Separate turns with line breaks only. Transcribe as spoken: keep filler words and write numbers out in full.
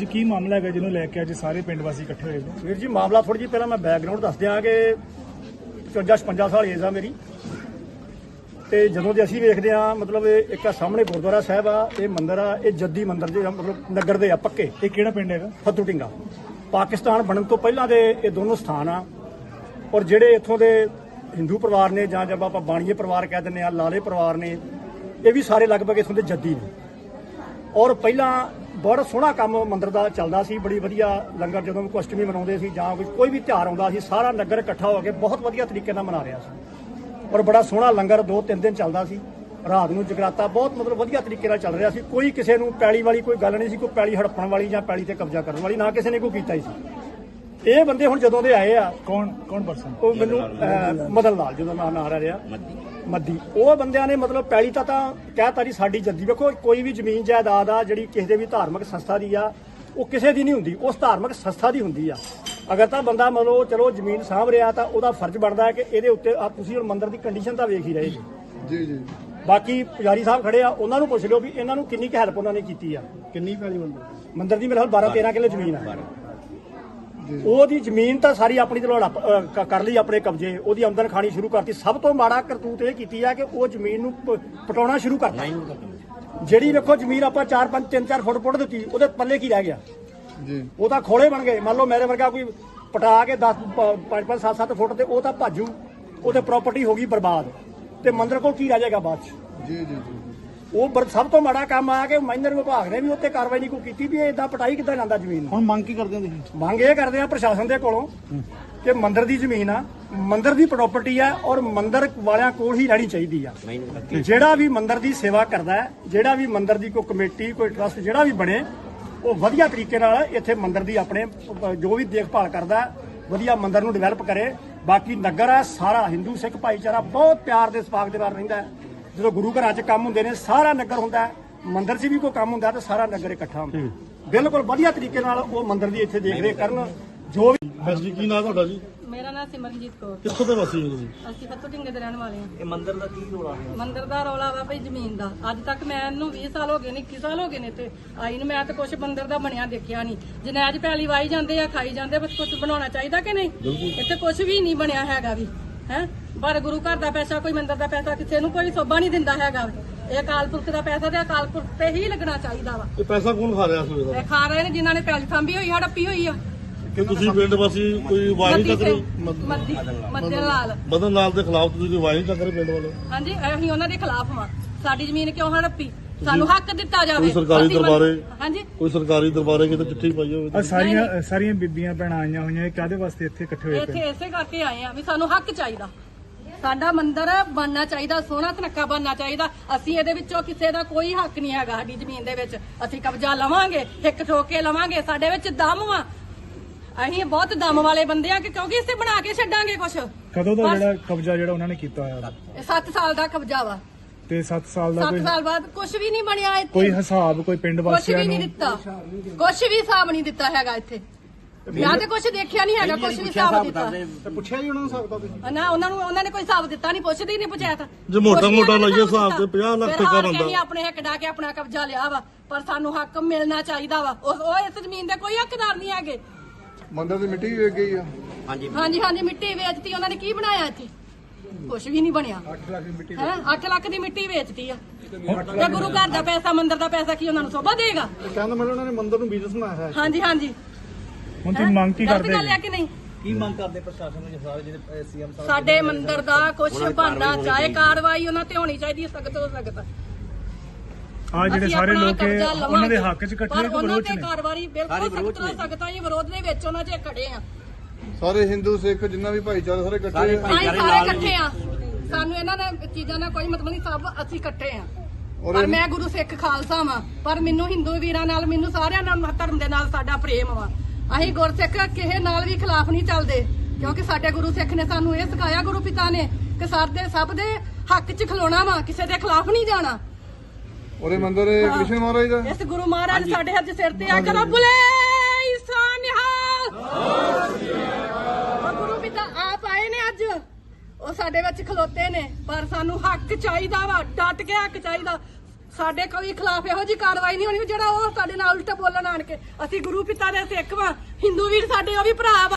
ਕੀ ਮਾਮਲਾ ਹੈਗਾ ਜਿਹਨੂੰ ਲੈ ਕੇ ਅੱਜ ਸਾਰੇ ਪਿੰਡ ਵਾਸੀ ਇਕੱਠੇ ਹੋਏ ਨੇ?
ਵੀਰ ਜੀ ਮਾਮਲਾ ਥੋੜੀ ਜਿਹੀ ਪਹਿਲਾਂ ਮੈਂ ਬੈਕਗ੍ਰਾਉਂਡ ਦੱਸ ਦਿਆਂ ਕਿ ਪਚਵੰਜਾ ਛਪੰਜਾ ਸਾਲ ਏਜ ਆ ਮੇਰੀ, ਤੇ ਜਦੋਂ ਦੇ ਅਸੀਂ ਵੇਖਦੇ ਆ ਮਤਲਬ ਇਹ ਇੱਕ ਸਾਹਮਣੇ ਗੁਰਦੁਆਰਾ ਸਾਹਿਬ ਆ, ਇਹ ਮੰਦਿਰ ਆ, ਇਹ ਜੱਦੀ ਮੰਦਿਰ ਦੇ ਮਤਲਬ ਨਗਰ ਦੇ ਆ ਪੱਕੇ।
ਇਹ ਕਿਹੜਾ ਪਿੰਡ ਹੈਗਾ?
ਫੱਤੂ ਢਿੰਗਾ। ਪਾਕਿਸਤਾਨ ਬਣਨ ਤੋਂ ਪਹਿਲਾਂ ਦੇ ਇਹ ਦੋਨੋਂ ਸਥਾਨ ਆ, ਔਰ ਜਿਹੜੇ ਇੱਥੋਂ ਦੇ ਹਿੰਦੂ ਪਰਿਵਾਰ ਨੇ ਜਾਂ ਜਦ ਆਪਾਂ ਬਾਣੀਏ ਪਰਿਵਾਰ ਕਹਿ ਦਿੰਦੇ ਆ, ਲਾਲੇ ਪਰਿਵਾਰ ਨੇ, ਇਹ ਵੀ ਸਾਰੇ ਲਗਭਗ ਇੱਥੋਂ ਦੇ ਜੱਦੀ ਨੇ। ਔਰ ਪਹਿਲਾਂ ਬੜਾ ਸੋਹਣਾ ਕੰਮ ਮੰਦਿਰ ਦਾ ਚੱਲਦਾ ਸੀ, ਬੜੀ ਵਧੀਆ ਲੰਗਰ ਜਦੋਂ ਵੀ ਅਸ਼ਟਮੀ ਮਨਾਉਂਦੇ ਸੀ ਜਾਂ ਕੋਈ ਵੀ ਤਿਉਹਾਰ ਆਉਂਦਾ ਸੀ, ਸਾਰਾ ਨਗਰ ਇਕੱਠਾ ਹੋ ਕੇ ਬਹੁਤ ਵਧੀਆ ਤਰੀਕੇ ਨਾਲ ਮਨਾ ਰਿਹਾ ਸੀ। ਔਰ ਬੜਾ ਸੋਹਣਾ ਲੰਗਰ ਦੋ ਤਿੰਨ ਦਿਨ ਚੱਲਦਾ ਸੀ, ਰਾਤ ਨੂੰ ਜਗਰਾਤਾ ਬਹੁਤ ਮਤਲਬ ਵਧੀਆ ਤਰੀਕੇ ਨਾਲ ਚੱਲ ਰਿਹਾ ਸੀ। ਕੋਈ ਕਿਸੇ ਨੂੰ ਪੈਲੀ ਵਾਲੀ ਕੋਈ ਗੱਲ ਨਹੀਂ ਸੀ, ਕੋਈ ਪੈਲੀ ਹੜਪਣ ਵਾਲੀ ਜਾਂ ਪੈਲੀ ਤੇ ਕਬਜ਼ਾ ਕਰਨ ਵਾਲੀ ਨਾ ਕਿਸੇ ਨੇ ਕੋਈ ਕੀਤਾ ਹੀ ਸੀ। ਇਹ ਬੰਦੇ ਹੁਣ ਜਦੋਂ ਦੇ ਆਏ ਆ,
ਕੌਣ ਕੌਣ ਪਰਸਨ?
ਉਹ ਮੈਨੂੰ ਮਦਨ ਲਾਲ ਜਦੋਂ ਨਾਂ ਨਾ ਆ ਰਿਹਾ ਮੱਦੀ, ਉਹ ਬੰਦਿਆਂ ਨੇ ਮਤਲਬ ਪੈਲੀ ਤਾਂ ਤਾਂ ਕਹਿਤਾ ਜੀ ਸਾਡੀ ਜੱਦੀ। ਵੇਖੋ ਕੋਈ ਵੀ ਜ਼ਮੀਨ ਜਾਇਦਾਦ ਆ ਜਿਹੜੀ ਕਿਸੇ ਦੇ ਵੀ ਧਾਰਮਿਕ ਸੰਸਥਾ ਦੀ ਆ, ਉਹ ਕਿਸੇ ਦੀ ਨਹੀਂ ਹੁੰਦੀ, ਉਸ ਧਾਰਮਿਕ ਸੰਸਥਾ ਦੀ ਹੁੰਦੀ ਆ। ਅਗਰ ਤਾਂ ਬੰਦਾ ਮਤਲਬ ਚਲੋ ਜ਼ਮੀਨ ਸਾਂਭ ਰਿਹਾ ਤਾਂ ਉਹਦਾ ਫਰਜ਼ ਬਣਦਾ ਹੈ ਕਿ ਇਹਦੇ ਉੱਤੇ ਆ ਤੁਸੀਂ ਹੁਣ ਮੰਦਿਰ ਦੀ ਕੰਡੀਸ਼ਨ ਤਾਂ ਵੇਖ ਹੀ ਰਹੇ ਜੀ।
ਜੀ ਜੀ
ਬਾਕੀ ਪੁਜਾਰੀ ਸਾਹਿਬ ਖੜੇ ਆ, ਉਹਨਾਂ ਨੂੰ ਪੁੱਛ ਲਿਓ ਵੀ ਇਹਨਾਂ ਨੂੰ ਕਿੰਨੀ ਕੁ ਹੈਲਪ ਉਹਨਾਂ ਨੇ ਕੀਤੀ ਆ।
ਕਿੰਨੀ ਪੈਲੀ ਮੰਦਰ
ਮੰਦਿਰ ਦੀ ਮੇਰੇ ਖਿਆਲ ਬਾਰਾਂ ਤੇਰਾਂ ਕਿੱਲੇ ਜ਼ਮੀਨ ਆ। ਉਹਦੀ ਜ਼ਮੀਨ ਤਾਂ ਸਾਰੀ ਆਪਣੀ ਤੇ ਹੜਪ ਕਰ ਲਈ, ਆਪਣੇ ਕਬਜ਼ੇ, ਉਹਦੀ ਆਮਦਨ ਖਾਣੀ ਸ਼ੁਰੂ ਕਰਤੀ। ਸਭ ਤੋਂ ਮਾੜਾ ਕਰਤੂਤ ਇਹ ਕੀਤੀ ਆ ਕਿ ਉਹ ਜ਼ਮੀਨ ਨੂੰ ਪ- ਪਟਾਉਣਾ ਸ਼ੁਰੂ ਕਰਤਾ। ਜਿਹੜੀ ਵੇਖੋ ਜ਼ਮੀਨ ਆਪਾਂ ਚਾਰ ਪੰਜ ਤਿੰਨ ਚਾਰ ਫੁੱਟ ਪੁੱਟ ਦਿੱਤੀ, ਉਹਦੇ ਪੱਲੇ ਕੀ ਰਹਿ ਗਿਆ
ਜੀ।
ਉਹ ਤਾਂ ਖੋਲੇ ਬਣ ਗਏ। ਮੰਨ ਲਓ ਮੇਰੇ ਵਰਗਾ ਕੋਈ ਪਟਾ ਕੇ ਦਸ ਪੰਜ ਪੰਜ ਸੱਤ ਸੱਤ ਫੁੱਟ ਤੇ ਉਹ ਤਾਂ ਭਾਜੂ, ਉਹਦੇ ਪ੍ਰਾਪਰਟੀ ਹੋ ਗਈ ਬਰਬਾਦ, ਤੇ ਮੰਦਿਰ ਕੋਲ ਕੀ ਰਹਿ ਜਾਏਗਾ ਬਾਅਦ ਚ।
ਜੀ ਜੀ ਜੀ
ਉਹ ਬਰ- ਸਭ ਤੋਂ ਮਾੜਾ ਕੰਮ ਆ ਕਿ ਮਾਈਨਰ ਵਿਭਾਗ ਨੇ ਵੀ ਉੱਤੇ ਕਾਰਵਾਈ ਨਹੀਂ ਕੋਈ ਕੀਤੀ ਵੀ ਇਦਾਂ ਪਟਾਈ ਕਿੱਦਾਂ ਜਾਂਦਾ ਜ਼ਮੀਨ ਨੂੰ।
ਹੁਣ ਮੰਗ ਕੀ ਕਰਦੇ ਹੋ ਤੁਸੀਂ?
ਮੰਗ ਇਹ ਕਰਦੇ ਆ ਪ੍ਰਸ਼ਾਸਨ ਦੇ ਕੋਲੋਂ ਕਿ ਮੰਦਿਰ ਦੀ ਜ਼ਮੀਨ ਆ, ਮੰਦਿਰ ਦੀ ਪ੍ਰਾਪਰਟੀ ਆ, ਔਰ ਮੰਦਿਰ ਵਾਲਿਆਂ ਕੋਲ ਹੀ ਰਹਿਣੀ ਚਾਹੀਦੀ ਆ। ਜਿਹੜਾ ਵੀ ਮੰਦਿਰ ਦੀ ਸੇਵਾ ਕਰਦਾ ਹੈ, ਜਿਹੜਾ ਵੀ ਮੰਦਿਰ ਦੀ ਕੋਈ ਕਮੇਟੀ ਕੋਈ ਟਰਸਟ ਜਿਹੜਾ ਵੀ ਬਣੇ, ਉਹ ਵਧੀਆ ਤਰੀਕੇ ਨਾਲ ਇੱਥੇ ਮੰਦਿਰ ਦੀ ਆਪਣੇ ਜੋ ਵੀ ਦੇਖਭਾਲ ਕਰਦਾ ਹੈ, ਵਧੀਆ ਮੰਦਿਰ ਨੂੰ ਡਿਵੈਲਪ ਕਰੇ। ਬਾਕੀ ਨਗਰ ਆ ਸਾਰਾ ਹਿੰਦੂ ਸਿੱਖ ਭਾਈਚਾਰਾ ਬਹੁਤ ਪਿਆਰ ਦੇ ਸਪਾਕ ਦੇ ਨਾਲ ਰਹਿੰਦਾ ਹੈ। ਜਦੋਂ ਗੁਰੂ ਘਰਾਂ 'ਚ ਕੰਮ ਹੁੰਦੇ ਨੇ ਸਾਰਾ ਨਗਰ ਹੁੰਦਾ ਹੈ, ਮੰਦਿਰ 'ਚ ਵੀ ਕੋਈ ਕੰਮ ਹੁੰਦਾ ਤਾਂ ਸਾਰਾ ਨਗਰ ਇਕੱਠਾ ਹੁੰਦਾ। ਬਿਲਕੁਲ ਵਧੀਆ ਤਰੀਕੇ ਨਾਲ ਉਹ ਮੰਦਿਰ ਦੀ ਇੱਥੇ ਦੇਖ ਰੇਖ ਕਰਨ। ਜੋ ਵੀ
ਹਾਂਜੀ, ਕੀ ਨਾਮ ਤੁਹਾਡਾ ਜੀ?
ਮੇਰਾ ਨਾਮ ਸਿਮਰਨਜੀਤ ਕੌਰ।
ਕਿੱਥੋਂ ਦੇ ਵਾਸੀ ਹੋ ਤੁਸੀਂ?
ਅਸੀਂ ਫੱਤੂ ਢਿੰਗੇ ਦੇ ਰਹਿਣ ਵਾਲੇ ਹਾਂ।
ਇਹ ਮੰਦਿਰ ਦਾ ਕੀ ਰੋਲਾ ਹੈ?
ਮੰਦਿਰ ਦਾ ਰੌਲਾ ਵਾ ਭਈ ਜ਼ਮੀਨ ਦਾ। ਅੱਜ ਤੱਕ ਮੈਂ ਇਹਨੂੰ ਵੀਹ ਸਾਲ ਹੋ ਗਏ ਨੇ, ਇੱਕੀ ਸਾਲ ਹੋ ਗਏ ਨੇ ਤੇ ਆਈ ਨੂੰ। ਮੈਂ ਤਾਂ ਕੁਛ ਮੰਦਿਰ ਦਾ ਬਣਿਆ ਦੇਖਿਆ ਨਹੀਂ। ਜਨਾਜ ਪੈਲੀ ਵਾਈ ਜਾਂਦੇ ਆ, ਖਾਈ ਜਾਂਦੇ, ਬਸ ਕੁਛ ਬਣਾਉਣਾ ਚਾਹੀਦਾ ਕਿ ਨਹੀਂ? ਇੱਥੇ ਕੁਛ ਵੀ ਨਹੀਂ ਬਣਿਆ ਹੈਗਾ ਵੀ ਹੈ। ਪਰ ਗੁਰੂ ਘਰ ਦਾ ਪੈਸਾ, ਕੋਈ ਮੰਦਿਰ ਦਾ ਪੈਸਾ ਕਿਸੇ ਨੂੰ ਕੋਈ ਸੋਭਾ ਨਹੀਂ ਦਿੰਦਾ ਹੈਗਾ। ਇਹ ਅਕਾਲ ਪੁਰਖ ਦਾ ਪੈਸਾ ਤੇ ਅਕਾਲ ਪੁਰਖ ਤੇ ਹੀ ਲੱਗਣਾ ਚਾਹੀਦਾ ਵਾ।
ਇਹ ਪੈਸਾ ਕੌਣ ਖਾ ਰਿਹਾ ਸਵੇਰ ਦਾ?
ਇਹ ਖਾ ਰਹੇ ਨੇ ਜਿਨ੍ਹਾਂ ਨੇ ਪੈਲੀ ਥੰਬੀ ਹੋਈ, ਹੜੱਪੀ ਹੋਈ ਆ।
ਕਿ ਤੁਸੀਂ ਪਿੰਡ ਵਾਸੀ ਕੋਈ ਆਵਾਜ਼ ਨਹੀਂ ਚੱਕ ਰਹੇ?
ਮੱਦੀ ਮੱਦੇ ਲਾਲ
ਮਦਨ ਲਾਲ ਦੇ ਖਿਲਾਫ ਤੁਸੀਂ ਕੋਈ ਆਵਾਜ਼ ਨਹੀਂ ਚੱਕ ਰਹੇ ਪਿੰਡ ਵਾਲੇ?
ਹਾਂਜੀ, ਅਸੀਂ ਉਹਨਾਂ ਦੇ ਖਿਲਾਫ ਵਾਂ। ਸਾਡੀ ਜ਼ਮੀਨ ਕਿਉਂ ਹੜੱਪੀ? ਸਾਨੂੰ ਹੱਕ ਦਿੱਤਾ ਜਾਵੇ।
ਕੋਈ ਸਰਕਾਰੀ
ਅਸੀਂ
ਦਰਬਾਰੇ
ਹਾਂਜੀ
ਕੋਈ ਸਰਕਾਰੀ ਦਰਬਾਰੇ ਕਿਤੇ ਚਿੱਠੀ ਪਾਈ ਹੋਵੇ?
ਆ ਸਾਰੀਆਂ ਸਾਰੀਆਂ ਬੀਬੀਆਂ ਭੈਣਾਂ ਆਈਆਂ ਹੋਈਆਂ, ਇਹ ਕਾਹਦੇ ਵਾਸਤੇ ਇੱਥੇ ਇਕੱਠੇ ਹੋਏ
ਇੱਥੇ
ਪਏ?
ਇਸੇ ਕਰਕੇ ਆਏ ਆ ਵੀ ਸਾਨੂੰ ਹੱਕ ਚਾਹੀਦਾ। ਸਾਡਾ ਮੰਦਿਰ ਬਣਨਾ ਚਾਹੀਦਾ, ਸੋਹਣਾ ਤਨੱਕਾ ਬਣਨਾ ਚਾਹੀਦਾ। ਅਸੀਂ ਇਹਦੇ ਵਿੱਚੋਂ ਕਿਸੇ ਦਾ ਕੋਈ ਹੱਕ ਨਹੀਂ ਹੈਗਾ। ਸਾਡੀ ਜ਼ਮੀਨ ਦੇ ਵਿੱਚ ਅਸੀਂ ਕਬਜ਼ਾ ਲਵਾਂਗੇ, ਹਿੱਕ ਠੋਕ ਕੇ ਲਵਾਂਗੇ। ਸਾਡੇ ਵਿੱਚ ਦਮ ਵਾ, ਅਸੀਂ ਬਹੁਤ ਦਮ ਵਾਲੇ ਬੰਦੇ ਆ ਕਿ ਕਿਉਂਕਿ ਇਸੇ ਬਣਾ ਕੇ ਛੱਡਾਂਗੇ ਕੁਛ।
ਕਦੋਂ ਦਾ ਜਿਹੜਾ ਕਬਜ਼ਾ ਜਿਹੜਾ ਉਹਨਾਂ ਨੇ ਕੀਤਾ ਹੋਇਆ?
ਇਹ ਸੱਤ ਸਾਲ ਦਾ ਕਬਜ਼ਾ ਵਾ।
ਤੇ ਸੱਤ ਸਾਲ ਦਾ
ਸੱਤ
ਕੋਈ
ਸਾਲ ਬਾਅਦ ਕੁਛ ਵੀ ਨਹੀਂ ਬਣਿਆ ਇੱਥੇ।
ਕੋਈ ਹਿਸਾਬ ਕੋਈ ਪਿੰਡ
ਕੁਛ
ਵਾਸੀਆਂ
ਵੀ ਨਹੀਂ
ਨੂੰ?
ਦਿੱਤਾ, ਕੁਛ ਵੀ ਹਿਸਾਬ ਨਹੀਂ ਦਿੱਤਾ ਹੈਗਾ ਇੱਥੇ। ਜਾਂ ਤੇ ਕੁਛ ਦੇਖਿਆ ਨਹੀਂ ਹੈਗਾ, ਕੁਛ ਵੀ ਹਿਸਾਬ ਦਿੱਤਾ
ਪੁੱਛਿਆ ਜੀ ਉਹਨਾਂ ਨੂੰ ਹਿਸਾਬ ਦਾ?
ਨਾ। ਉਹਨਾਂ ਨੂੰ ਉਹਨਾਂ ਨੇ ਕੋਈ ਹਿਸਾਬ ਦਿੱਤਾ ਨਹੀਂ, ਪੁੱਛਦੇ ਹੀ ਨਹੀਂ ਪੰਚਾਇਤ।
ਜੇ ਮੋਟਾ ਮੋਟਾ
ਕੁਛ ਨੀ
ਲਾਈਏ ਹਿਸਾਬ
ਦਿੱਤਾ।
ਤੇ ਪੰਜਾਹ ਲੱਖ
ਫਿਰ
ਠੇਕਾ
ਹਾਰ ਕੇ
ਬਣਦਾ।
ਅਸੀਂ ਆਪਣੇ ਹੱਕ ਡਾ ਕੇ ਆਪਣਾ ਕਬਜ਼ਾ ਲਿਆ ਵਾ, ਪਰ ਸਾਨੂੰ ਹੱਕ ਮਿਲਣਾ ਚਾਹੀਦਾ ਵਾ। ਉਹ ਉਹ ਇਸ ਜ਼ਮੀਨ ਦੇ ਕੋਈ ਹੱਕਦਾਰ ਨਹੀਂ ਹੈਗੇ।
ਮੰਦਿਰ ਦੀ ਮਿੱਟੀ ਵੇਚ ਗਈ ਆ।
ਹਾਂਜੀ
ਹਾਂਜੀ ਹਾਂਜੀ, ਮਿੱਟੀ ਵੇਚਤੀ ਉਹਨਾਂ ਨੇ। ਕੀ ਬਣਾਇਆ ਇੱਥੇ? ਕੁਛ ਵੀ ਨਹੀਂ ਬਣਿਆ। ਅੱਠ ਲੱਖ ਦੀ ਮਿੱਟੀ ਹੈ, ਅੱਠ ਲੱਖ ਦੀ ਮਿੱਟੀ ਵੇਚਤੀ ਆ। ਤੇ ਗੁਰੂ ਘਰ ਦਾ ਪੈਸਾ, ਮੰਦਿਰ ਦਾ ਪੈਸਾ ਕੀ ਉਹਨਾਂ ਨੂੰ ਸੋਭਾ ਦੇਗਾ?
ਕਹਿੰਦਾ ਮੈਨੂੰ ਉਹਨਾਂ ਨੇ ਮੰਦਿਰ ਨੂੰ ਬਿਜ਼ਨਸ ਬਣਾਇਆ ਹੈ।
ਹਾਂਜੀ ਹਾਂਜੀ।
ਹੁਣ ਤੁਸੀਂ ਮੰਗ ਕੀ
ਗਲਤ
ਕਰਦੇ
ਗੱਲ ਹੈ ਕਿ ਨਹੀਂ?
ਕੀ ਮੰਗ ਕਰਦੇ ਪ੍ਰਸ਼ਾਸਨ ਨੂੰ? ਸਾਰੇ ਜਿਹੜੇ ਸੀਐਮ ਸਾਹਿਬ
ਸਾਡੇ ਮੰਦਿਰ ਦਾ ਕੁਛ ਬਣਨਾ ਚਾਹੇ, ਕਾਰਵਾਈ ਉਹਨਾਂ ਤੇ ਹੋਣੀ ਚਾਹੀਦੀ ਹੈ, ਸਖਤ ਤੋਂ ਸਖਤ।
ਆ ਜਿਹੜੇ
ਅਸੀਂ
ਸਾਰੇ
ਆਪਣਾ
ਲੋਕ
ਕਬਜ਼ਾ
ਉਹਨਾਂ ਦੇ
ਲਵਾਂਗੇ,
ਹੱਕ 'ਚ ਇਕੱਠੇ
ਪਰ
ਨੇ ਕਿ
ਉਹਨਾਂ
ਵਿਰੋਧ 'ਚ
ਤੇ
ਨੇ?
ਕਾਰਵਾਈ ਬਿਲਕੁਲ ਸਖਤ ਤੋਂ ਸਖਤ ਆ ਜੀ। ਵਿਰੋਧ ਦੇ ਵਿੱਚ ਉਹਨਾਂ 'ਚ ਖੜੇ ਆ।
ਸਾਰੇ ਹਿੰਦੂ ਸਿੱਖ ਜਿੰਨਾ ਵੀ ਭਾਈਚਾਰਾ ਸਾਰੇ ਇਕੱਠੇ
ਸਾਰੇ
ਆ।
ਅਸੀਂ ਸਾਰੇ ਇਕੱਠੇ ਆ। ਸਾਨੂੰ ਇਹਨਾਂ ਨੇ ਚੀਜ਼ਾਂ ਦਾ ਕੋਈ ਮਤਲਬ ਨਹੀਂ, ਸਭ ਅਸੀਂ ਇਕੱਠੇ ਆ।
ਔਰ
ਪਰ ਮੈਂ ਗੁਰੂ ਸਿੱਖ ਖਾਲਸਾ ਵਾਂ, ਪਰ ਮੈਨੂੰ ਹਿੰਦੂ ਵੀਰਾਂ ਨਾਲ, ਮੈਨੂੰ ਸਾਰਿਆਂ ਨਾਲ, ਧਰਮ ਦੇ ਨਾਲ ਸਾਡਾ ਪ੍ਰੇਮ ਵਾ। ਅਸੀਂ ਗੁਰਸਿੱਖ ਕਿਸੇ ਨਾਲ ਵੀ ਖਿਲਾਫ ਨਹੀਂ ਚੱਲਦੇ, ਕਿਉਂਕਿ ਸਾਡੇ ਗੁਰੂ ਸਿੱਖ ਨੇ ਸਾਨੂੰ ਇਹ ਸਿਖਾਇਆ, ਗੁਰੂ ਪਿਤਾ ਨੇ, ਕਿ ਸਾਡੇ ਸਭ ਦੇ ਹੱਕ 'ਚ ਖਲੋਣਾ ਵਾ, ਕਿਸੇ ਦੇ ਖਿਲਾਫ ਨਹੀਂ ਜਾਣਾ।
ਔਰ ਇਹ ਮੰਦਿਰ ਕ੍ਰਿਸ਼ਨ ਮਹਾਰਾਜ ਦਾ।
ਇਸ ਗੁਰੂ ਮਹਾਰਾਜ ਸਾਡੇ ਹੱਥ ਸਿਰ ਤੇ ਆ ਕਰੋ ਬੁਲੇ ਈਸਾ ਨਿਹਾਲ। ਗੁਰੂ ਪਿਤਾ ਆਪ ਆਏ ਨੇ ਅੱਜ, ਉਹ ਸਾਡੇ ਵਿੱਚ ਖਲੋਤੇ ਨੇ। ਪਰ ਸਾਨੂੰ ਹੱਕ ਚਾਹੀਦਾ ਵਾ, ਡਟ ਕੇ ਹੱਕ ਚਾਹੀਦਾ। ਸਾਡੇ ਕੋਈ ਖਿਲਾਫ ਇਹੋ ਜੀ ਕਾਰਵਾਈ ਨਹੀਂ ਹੋਣੀ ਜਿਹੜਾ ਉਹ ਸਾਡੇ ਨਾਲ ਉਲਟਾ ਬੋਲਣ ਆਣ ਕੇ। ਅਸੀਂ ਗੁਰੂ ਪਿਤਾ ਦੇ ਸਿੱਖ ਵਾਂ, ਹਿੰਦੂ ਵੀਰ ਸਾਡੇ ਉਹ ਵੀ ਭਰਾ ਵਾ।